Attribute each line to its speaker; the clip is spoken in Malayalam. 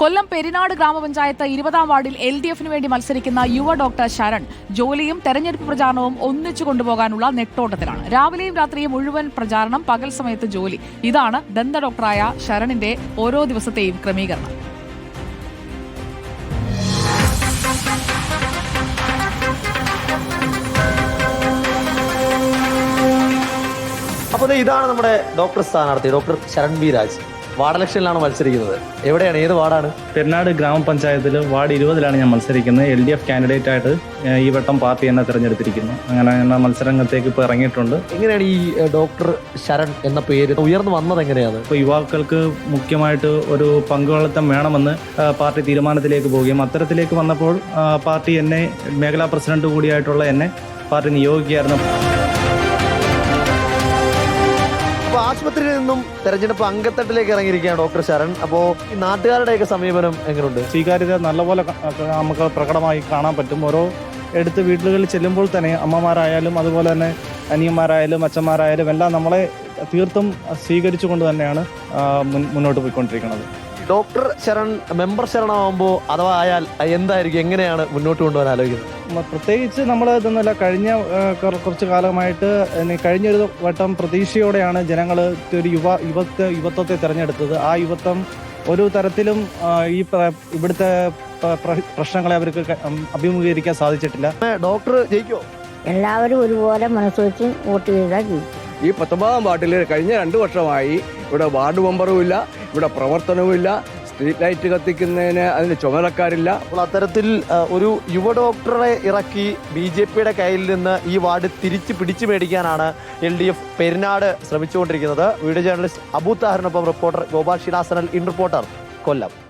Speaker 1: കൊല്ലം പെരിനാട് ഗ്രാമപഞ്ചായത്ത് 20-ാം വാർഡിൽ LDF-ന് വേണ്ടി മത്സരിക്കുന്ന യുവ ഡോക്ടർ ശരൺ ജോലിയും തെരഞ്ഞെടുപ്പ് പ്രചാരണവും ഒന്നിച്ചു കൊണ്ടുപോകാനുള്ള നെട്ടോട്ടത്തിലാണ്. രാവിലെയും രാത്രിയും മുഴുവൻ പ്രചാരണം, പകൽ സമയത്ത് ജോലി. ഇതാണ് ദന്ത ഡോക്ടറായ ശരണിന്റെ ഓരോ ദിവസത്തെയും ക്രമീകരണം.
Speaker 2: അപ്പോൾ ഇതാണ് നമ്മുടെ ഡോക്ടർ സ്ഥാനാർത്ഥി doctor Sharan B Raj. Ward ഇലക്ഷനിലാണ് മത്സരിക്കുന്നത്. എവിടെയാണ്, ഏത് വാർഡാണ്?
Speaker 3: പെരിനാട് ഗ്രാമപഞ്ചായത്തിൽ വാർഡ് 20-ലാണ് ഞാൻ മത്സരിക്കുന്നത്. LDF കാൻഡിഡേറ്റ് ആയിട്ട് ഈ വട്ടം പാർട്ടി എന്നെ തിരഞ്ഞെടുത്തിരിക്കുന്നു. അങ്ങനെ എന്ന മത്സരരംഗത്തേക്ക് ഇപ്പോൾ ഇറങ്ങിയിട്ടുണ്ട്.
Speaker 2: എങ്ങനെയാണ് ഈ ഡോക്ടർ ശരൺ എന്ന പേര് ഉയർന്നു വന്നത്? എങ്ങനെയാണ്?
Speaker 3: ഇപ്പോൾ യുവാക്കൾക്ക് മുഖ്യമായിട്ട് ഒരു പങ്കാളിത്തം വേണമെന്ന് പാർട്ടി തീരുമാനത്തിലേക്ക് പോവുകയും അത്തരത്തിലേക്ക് വന്നപ്പോൾ പാർട്ടി എന്നെ മേഖലാ പ്രസിഡന്റ് കൂടിയായിട്ടുള്ള എന്നെ പാർട്ടി നിയോഗിക്കുകയായിരുന്നു.
Speaker 2: അപ്പോൾ ആശുപത്രിയിൽ നിന്നും തെരഞ്ഞെടുപ്പ് അങ്കത്തട്ടിലേക്ക് ഇറങ്ങിയിരിക്കുകയാണ് ഡോക്ടർ ശരൺ. അപ്പോൾ ഈ നാട്ടുകാരുടെയൊക്കെ സമീപനം എങ്ങനെയുണ്ട്?
Speaker 3: സ്വീകാര്യത നല്ലപോലെ നമുക്ക് പ്രകടമായി കാണാൻ പറ്റും. ഓരോ എടുത്ത് വീടുകളിൽ ചെല്ലുമ്പോൾ തന്നെ അമ്മമാരായാലും അതുപോലെ തന്നെ അനിയന്മാരായാലും അച്ഛന്മാരായാലും എല്ലാം നമ്മളെ തീർത്തും സ്വീകരിച്ചുകൊണ്ട് തന്നെയാണ് മുന്നോട്ട് പോയിക്കൊണ്ടിരിക്കുന്നത്.
Speaker 2: ഡോക്ടർ ശരൺ മെമ്പർ ശരണമാകുമ്പോൾ അഥവാ ആയാൽ എന്തായിരിക്കും, എങ്ങനെയാണ് മുന്നോട്ട് കൊണ്ടുപോകാൻ ആലോചിക്കുന്നത്?
Speaker 3: പ്രത്യേകിച്ച് നമ്മൾ ഇതൊന്നുമില്ല, കഴിഞ്ഞ കുറച്ച് കാലമായിട്ട് കഴിഞ്ഞൊരു വട്ടം പ്രതീക്ഷയോടെയാണ് ജനങ്ങൾ ഒരു യുവത്വത്തെ തിരഞ്ഞെടുത്തത്. ആ യുവത്വം ഒരു തരത്തിലും ഈ ഇവിടുത്തെ പ്രശ്നങ്ങളെ അവർക്ക് അഭിമുഖീകരിക്കാൻ സാധിച്ചിട്ടില്ല.
Speaker 2: ഡോക്ടർ ജയിക്കോ?
Speaker 4: എല്ലാവരും ഒരുപോലെ മനസ്സുവെച്ച് വോട്ട് ചെയ്താൽ ജയിക്കും.
Speaker 5: ഈ 19-ാം വാർഡിൽ കഴിഞ്ഞ 2 വർഷമായി ഇവിടെ വാർഡ് മെമ്പറുമില്ല, ഇവിടെ പ്രവർത്തനവുമില്ല, സ്ട്രീറ്റ് ലൈറ്റ് കത്തിക്കുന്നതിന് അതിന് ചുമതലക്കാരില്ല.
Speaker 2: അപ്പോൾ അത്തരത്തിൽ ഒരു യുവ ഡോക്ടറെ ഇറക്കി BJPയുടെ കയ്യിൽ നിന്ന് ഈ വാർഡ് തിരിച്ച് പിടിച്ചു മേടിക്കാനാണ് LDF പെരിനാട് ശ്രമിച്ചുകൊണ്ടിരിക്കുന്നത്. വീഡിയോ ജേർണലിസ്റ്റ് അബു താഹിറിനൊപ്പം റിപ്പോർട്ടർ ഗോപാൽ ഷിനാസനൽ, ഇൻ റിപ്പോർട്ടർ, കൊല്ലം.